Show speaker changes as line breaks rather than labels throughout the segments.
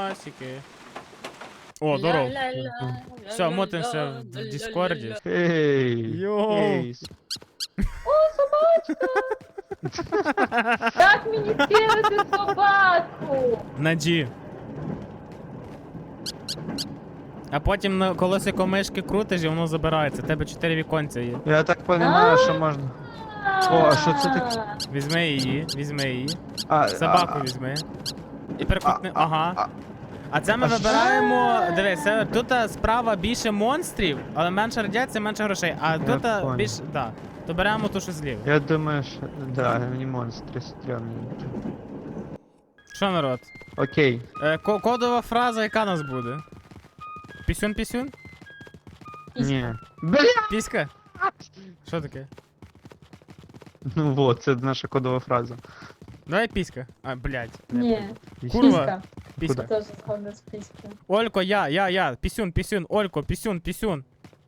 Підарасики. О, здоров. Все, мотимся в Діскорді.
Ей!
Йоу.
Ей!
Як мені кинути собаку?
На G. А потім на колесико мишки крутиш і воно забирається. У тебе 4 віконця є.
Я так понимаю, що можна. О, а що це таке?
Візьми її, візьми її.
А,
Собаку візьми. І перекрутни.
а,
Ага. А це ми
а що?
вибираємо. Дивись, тут справа більше монстрів, але менше радіації, менше грошей. А тут
понял.
більше. Да. То беремо ту, що зліва.
Я думаю, що... Да, мені монстри стрьомні.
Що, народ?
Окей.
Кодова фраза, яка нас буде? Пісюн-пісюн?
Ні. Бля!
Піська? Що таке?
Ну вот, це наша кодова фраза.
Давай піська. А, блядь.
Ні,
Курва.
піська.
Піська.
Теж згодна з піською.
Олько, я. Пісюн. Олько, пісюн.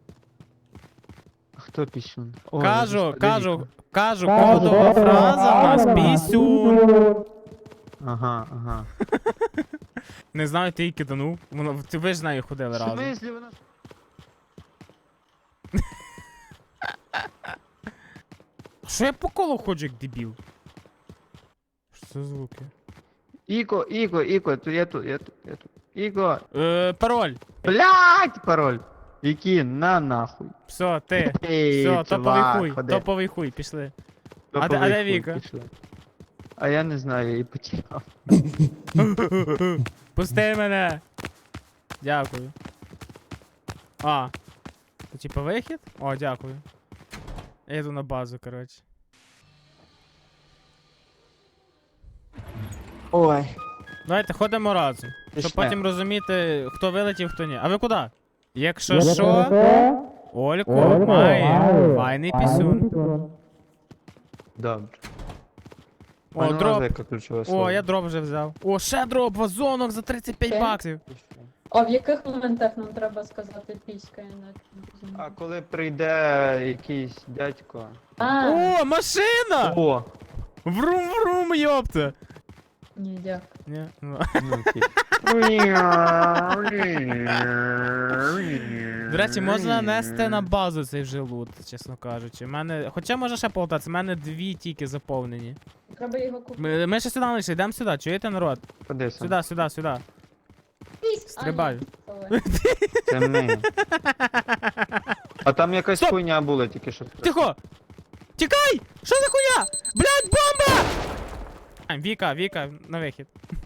Хто пісюн? О,
Кажу, кодова фраза у нас пісюн.
Ага.
Не знаю, ти її киданув. Ви ж з нею ходили
В
разом.
смислі вона...
Що я по колу ходжу, як дебіл? Що це за звуки?
Іко, я тут. Іко.
Пароль.
Блядь, пароль. Які на нахуй.
Все, ти.
Ей,
Все,
чувак,
топовий
ходи.
топовий хуй, пішли.
Топовий
а де
хуй,
Віка?
пішли. А я не знаю, я її потеряв.
Пусти мене. Дякую. А. Це типа вихід? О, дякую. Я йду на базу, коротше.
Ой.
Давайте ходимо разом. Щоб
Пішли.
потім розуміти, хто вилетів, хто ні. А ви куди? Якщо що, Олько має файний пісюн.
Добре.
О, дроп.
Яке ключове слово.
О, я дроп вже взяв. О, ще дроп, вазонок за 35
Окей.
баксів.
А в яких моментах нам треба сказати піська, інакше не
А
розумію?
коли прийде якийсь дядько.
О, машина!
О!
Врум-врум, йопта!
Ні, дякую.
Ні, ну.
Ну, окей.
До речі, можна нести на базу цей вже лут, чесно кажучи. Хоча можна ще полтатися, в мене 2 тільки заповнені.
Треба його купити.
Ми ще сюди не йшли, йдемо сюди, чуєте, народ?
Куди сам?
Сюди.
Піська!
Стрибаю.
Це ми. А там якась
Стоп!
хуйня була тільки що.
Тихо! Тікай! Що за хуйня? Блядь, бомба! Віка, на вихід.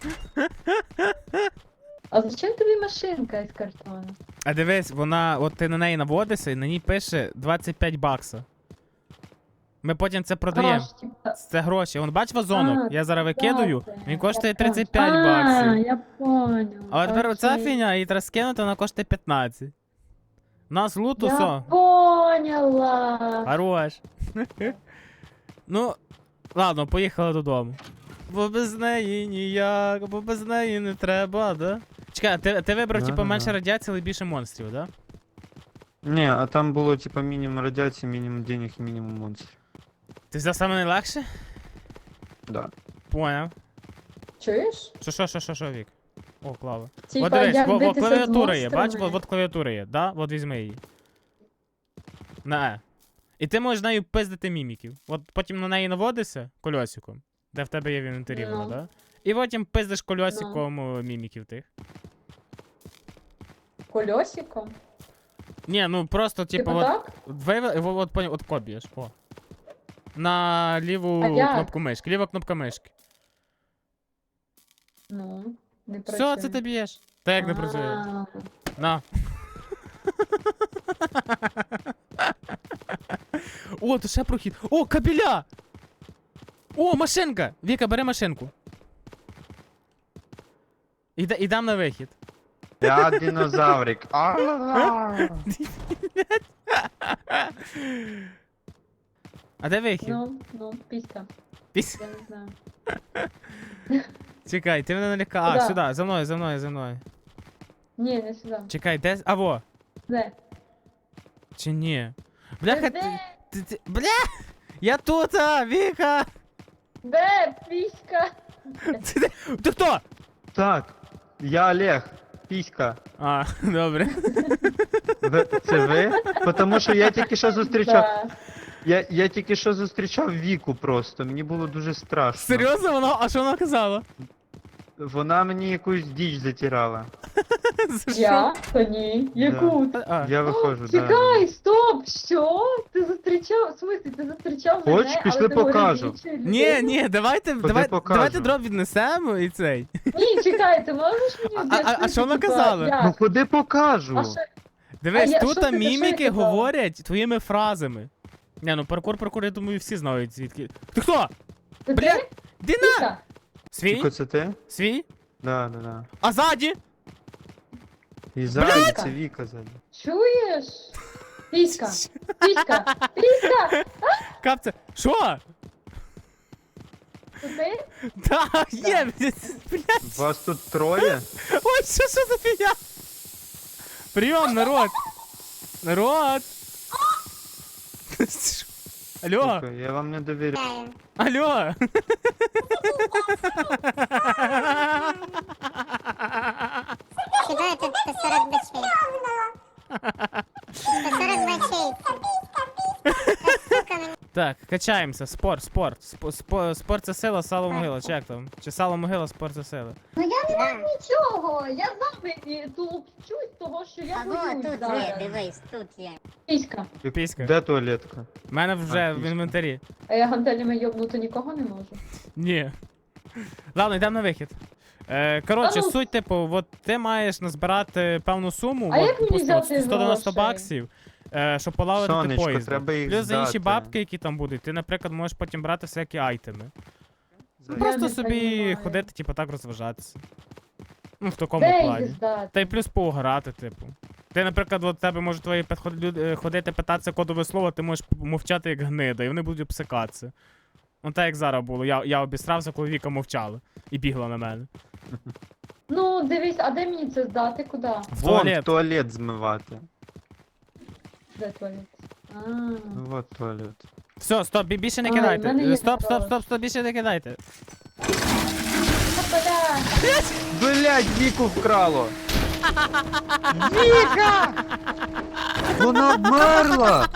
А зачем тобі машинка із картону?
А дивись, от ти на неї наводишся і на ній пише 25 бакса. Ми потім це продаємо.
Гроші, типа.
Це гроші. Вон бач вазонок?
А,
Я зараз викидаю,
так,
він коштує
я понял.
35 баксів.
Я понял.
А тепер оця
Окей.
фігня, її треба скинути, вона коштує 15. У нас луту,
Я
все.
поняла.
Хорош. Ну, ладно, поїхали додому. Бо без неї ніяк, бо без неї не треба, да? Чекай, ти вибрав,
Да,
типу,
да,
менше
да.
радіації, але більше монстрів, да?
Ні, а там було типа мінімум радіації, мінімум денег і мінімум монстрів.
Ти взяв саме найлегше?
Да.
Поняв.
Чуєш?
Що, Вік? О, клава.
Типа,
От дивись,
як
во
битися з
клавіатура є, бач,
монстрами.
от клавіатура є, да? От візьми її. На Е. І ти можеш нею пиздити міміків. От потім на неї наводишся кольосиком, де в тебе є в інвентарі воно,
Ну.
да? І потім пиздиш кольосиком міміків тих.
Кольосиком?
Ні, ну просто, типу,
Типа
от,
так?
от копієш, о. На ліву
А як?
кнопку мишки, ліва кнопка мишки.
Ну, не працює.
Все, це ти б'єш. Та як не працює?
А,
На. О, тут ще прохід. О, кабеля! О, машинка! Віка, бери машинку. Ідам на вихід.
Я динозаврик.
А де вихід?
Ну, піська.
Піс-
Я не знаю.
Чекай, ти мене налякав. А,
Куда?
сюди, за мною.
Ні, не сюди.
Чекай, де? А, во.
Де?
Чи ні? Бляха,
Де?
бля! Я тут, Віка!
Де піська?
Ти хто?
Так. Я Олег. Піська.
А, добре.
Це ви? Тому що я тільки що зустрічав.
Да.
Я тільки що зустрічав Віку просто. Мені було дуже страшно.
Серйозно воно? А що вона казала?
Вона мені якусь діч затирала.
За що?
Я? Та ні. Яку?
А,
Я виходжу, да.
Чекай, стоп, що? Ти зустрічав, в смислі, ти зустрічав
Хоч,
мене,
пішли
але ти говорив
покажу.
іншої
Ні,
людини?
ні, давайте
покажу.
давайте дроп віднесемо і цей.
Ні, чекай, ти можеш мені
А
об'яснити,
що вона
типа,
казала?
як?
Ну ходи покажу.
А що?
Дивись,
що
тут
ти- що я
міміки
казала?
говорять твоїми фразами. Не, ну паркур, я думаю, всі знають звідки. Ти хто?
Це
Бля,
ти?
Де на?
Піка?
Свій?
Тільки це ти?
Свій?
Да, да, да.
А ззаді?
І ззаді
Блядь!
це Віка ззаді.
Чуєш? Піська, піська, піська!
Капце. Що?
Це ти?
Так, є, блядь.
Вас тут троє?
Ой, що за фігня? Прийом, народ. Народ. Алло,
Сука, я вам не довіряю.
алло.
Сюда тут 140 бачей. 140 бачей. Сука, мені.
Так, качаємося. Спорт. Спорт це сила, сало могила. Чи як там? Чи сало могила, спорт це сила.
Ну я не
Да.
маю нічого, я завжди тулупчусь того, що я
А во,
боюсь
тут є,
зараз.
дивись, тут є.
Піська.
Піська.
Де туалетка?
У мене вже
А,
в
піська.
інвентарі.
А я гантелями йобнути нікого не можу.
Ні. Ладно, йдемо на вихід. Коротше,
А ну-
суть, типу, от ти маєш назбирати певну суму,
А
от,
як мені
допустимо,
взяти
190
грошей?
баксів, щоб полагодити
Сонечко,
поїзд.
треба їх
Плюс за інші
здати.
бабки, які там будуть, ти, наприклад, можеш потім брати всякі айтеми.
Я
Просто
не
собі
понімаю.
ходити, типу, так розважатися. Ну, в такому
Де їх
плані.
здати?
Та й плюс поуграти, типу. Ти, наприклад, от тебе можуть твої ходити, питатися кодове слово, ти можеш мовчати як гнида, і вони будуть обсикатися. Ну так як зараз було. Я обісрався, коли Віка мовчала і бігла на мене.
Ну, дивись, а де мені це здати? Куди?
В
Вон,
туалет.
в туалет змивати.
Де туалет? А.
Ну, вот туалет.
Все, стоп, більше не
Ай, в мене
кидайте.
є
Стоп, більше не кидайте.
Бля,
Блять, Віку вкрало! Віка! Вона вмерла!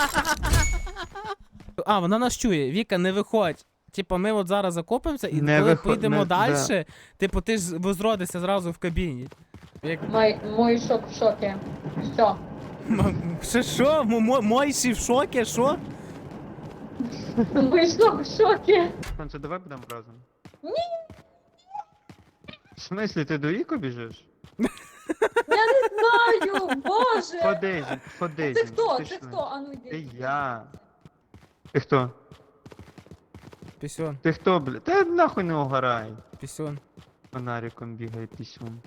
А, вона нас чує. Віка, не виходь. Типа, ми от зараз закопимося, і
Не
коли
виход-
поїдемо
не-
далі,
да.
типу, ти ж возродишся зразу в кабіні. Як...
мой шок в шокі. Все.
Що? Мойші в шокі, що?
Мой шок в шокі.
Сонце, давай будемо разом.
Ні.
В смислі, ти до Віку біжиш?
Я не знаю, боже.
Ходи, ходи.
Це хто? Це
пішли.
хто? А ну
Це
йди.
я. Ти хто?
Пісюн,
Ти хто, бля? Та нахуй не угорай.
пісюн,
Фонариком бігає пісюн.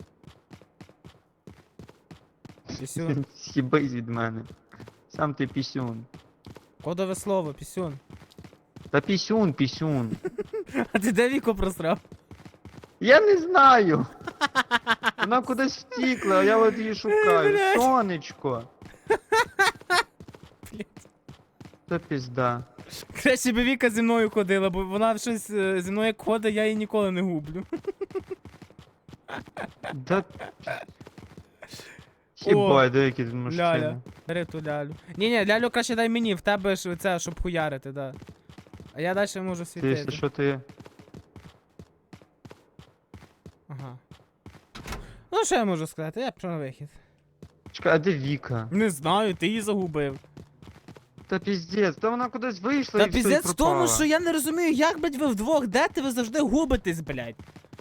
пісюн.
Сібись від мене. Сам ти пісюн.
Кодове слово, пісюн.
Та пісюн, пісюн.
А ти де Віку просрав?
Я не знаю. Вона кудись втікла, а я от її шукаю.
Блядь.
Сонечко.
Блядь.
Та пізда.
Краще би Віка зі мною ходила, бо вона щось зі мною як ходить, я її ніколи не гублю.
Да... Хібай, деякі тут мужчини.
Ляля. Бери ту лялю. Ні, лялю краще дай мені, в тебе ж це, щоб хуярити, да. А я далі можу
Ти, якщо
світити.
що, ти...
Ага. Ну що я можу сказати? Я пішов на вихід.
Чекай, а де Віка?
Не знаю, ти її загубив.
Та піздець, та вона кудись вийшла
Та
і все, і
піздець в тому,
пропала.
що я не розумію, як, блядь, ви вдвох, де ти ви завжди губитесь, блядь.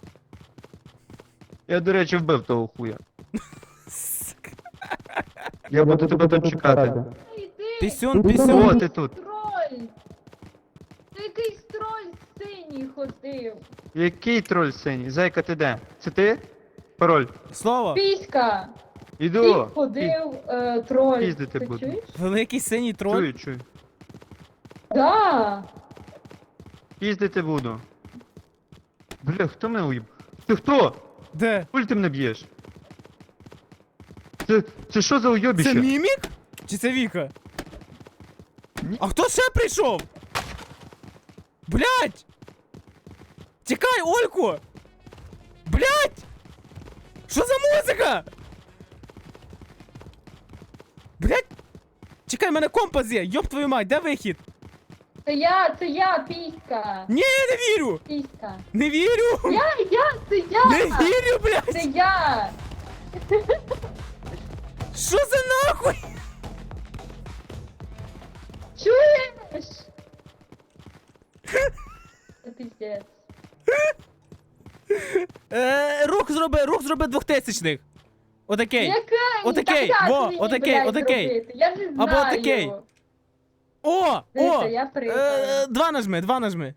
Я, до речі, вбив того хуя.
Сука.
Я буду тебе тут чекати.
Йди.
Пісюн,
О,
пісюн.
ти тут.
Троль. Ти якийсь троль синій ходив.
Який троль синій? Зайка, ти де? Це ти? Пароль.
Слово.
Піська. Ти
Іду.
ходив троль.
Піздити
Ти
буду.
чуєш?
Великий синій троль.
Чую, чую.
Да.
Піздити буду. Бля, хто мене уїб? Ти хто?
Де?
Пуль ти мене б'єш? Це що за уйобіще?
Це мімік? Чи це Віка?
Ні.
А хто ще прийшов? Блять! Тікай, Олько! Блять! Що за музика? Блять! Чекай, в мене компас є! Йоп твою мать, де вихід?
Це я, піська.
Ні, я не вірю!
Піська.
Не вірю!
Це я.
Не вірю,
Це
блядь!
я.
Що за нахуй?
Чуєш? Це піздець.
Рух зроби 2000-х. Отакей.
Яка?
Отакей,
Так як
во,
мені,
отакей,
блядь,
отакей.
робити? Я не знаю.
Або отакей. О!
Дивіться,
О!
я прийду.
2 нажми.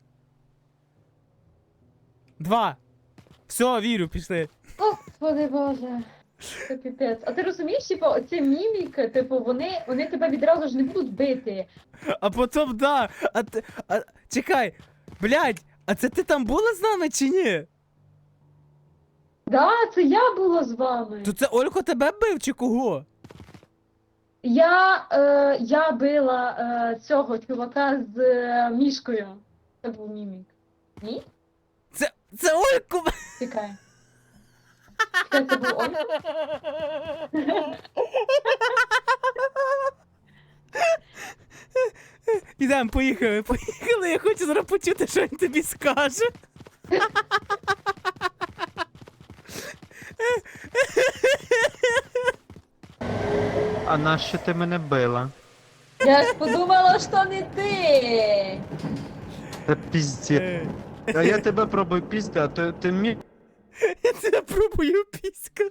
2. Все, вірю, пішли.
Господи Боже. Це піпець. А ти розумієш, типу, оці міміки, типу, вони тебе відразу ж не будуть бити.
А потім, да. Чекай. Блядь, а це ти там була з нами чи ні?
Да, це я була з вами.
То це Олько тебе бив чи кого?
Я била цього чувака з мішкою. Це був мімік. Ні?
Це Олько!
Чекай. Чекай, це був Ольга?
Ідем, поїхали, я хочу зараз почути, що він тобі скаже.
А нащо ти мене била?
Я ж подумала, що не ти.
Та пізді. А я тебе пробую пізді, а ти мій.
Я тебе пробую піська.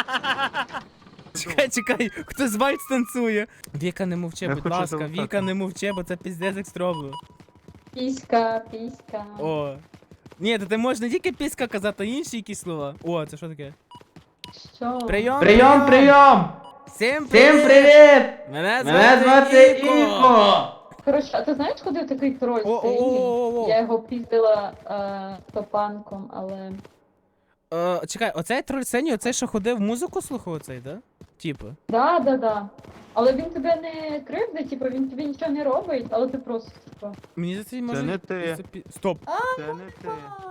Чекай, хтось вальс танцює. Віка, не мовчи,
Я
будь
хочу
ласка,
залутати.
Віка, не мовчи, бо це піздець як строблю.
Піська.
О. Ні, то ти можеш не тільки піська казати, а інші якісь слова. О, це що таке?
Що?
Прийом!
Прийом!
Всім
Всім привіт!
Мене
Мене звати Ілько!
Коротше, а ти знаєш, ходив такий троль синій?
О-о-о-о-о.
Я його піздила топанком, але...
Чекай, оцей троль синій, оцей, що ходив музику слухав, оцей, да? Типу.
Да. Але він тебе не кривдить, типу, він тобі нічого не робить, але ти просто, типу...
Мені за це може...
не ти.
Стоп.
Це не ти.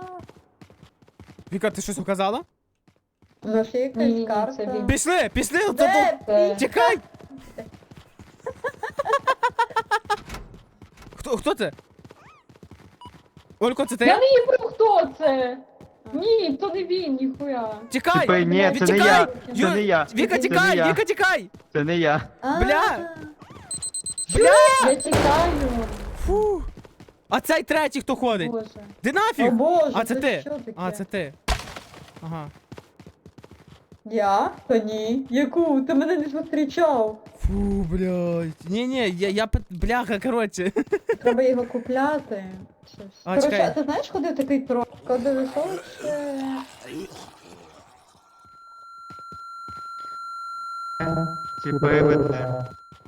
Віка, ти щось указала?
Ну, ще
Ні,
якась карта.
це він.
Пішли, тут.
Де?
Це...
Чекай! Хто це? Олько, це ти?
Я не їбу, хто це! Ні, то не він, ніхуя.
Тікай!
Типа, ні, це не
Тікай!
я.
Ю-
Це не я.
Віка,
Це не
тікай!
я.
Віка, тікай!
Це не я.
Бля!
Я тікаю.
Фу! А цей третій хто ходить?
Боже.
Де
О
нафіг?
боже,
А це ти?
що таке?
А, це ти. Ага.
Я? Та ні. Яку? Ти мене не зустрічав.
Фу, блядь. Ні, бляха, коротше.
Треба його купляти. Щось.
А,
Коротше,
чекай.
а ти знаєш, куди такий троль? Кодовий слово ще...
Ті виведе.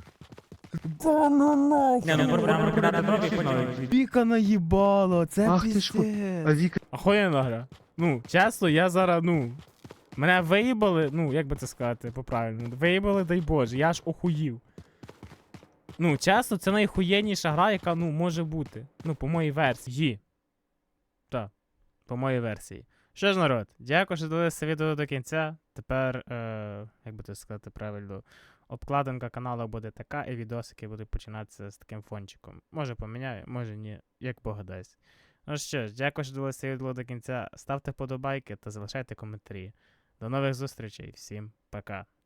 Віка наїбало, це
Ах ти ж ху-
піздець.
А Віка.
Охуєнна гра. Ну, чесно, я зараз, мене виїбали, як би це сказати по-правильному, виїбали, дай Боже, я аж охуїв. Чесно, це найхуєнніша гра, яка, може бути. По моїй версії. Так, по моїй версії. Що ж, народ, дякую, що дивилися відео до кінця. Тепер, як би це сказати правильно, обкладинка каналу буде така, і відосики будуть починатися з таким фончиком. Може поміняю, може ні, як Бог дасть. Ну що ж, дякую, що дивилися відео до кінця. Ставте подобайки та залишайте коментарі. До нових зустрічей, всім пока.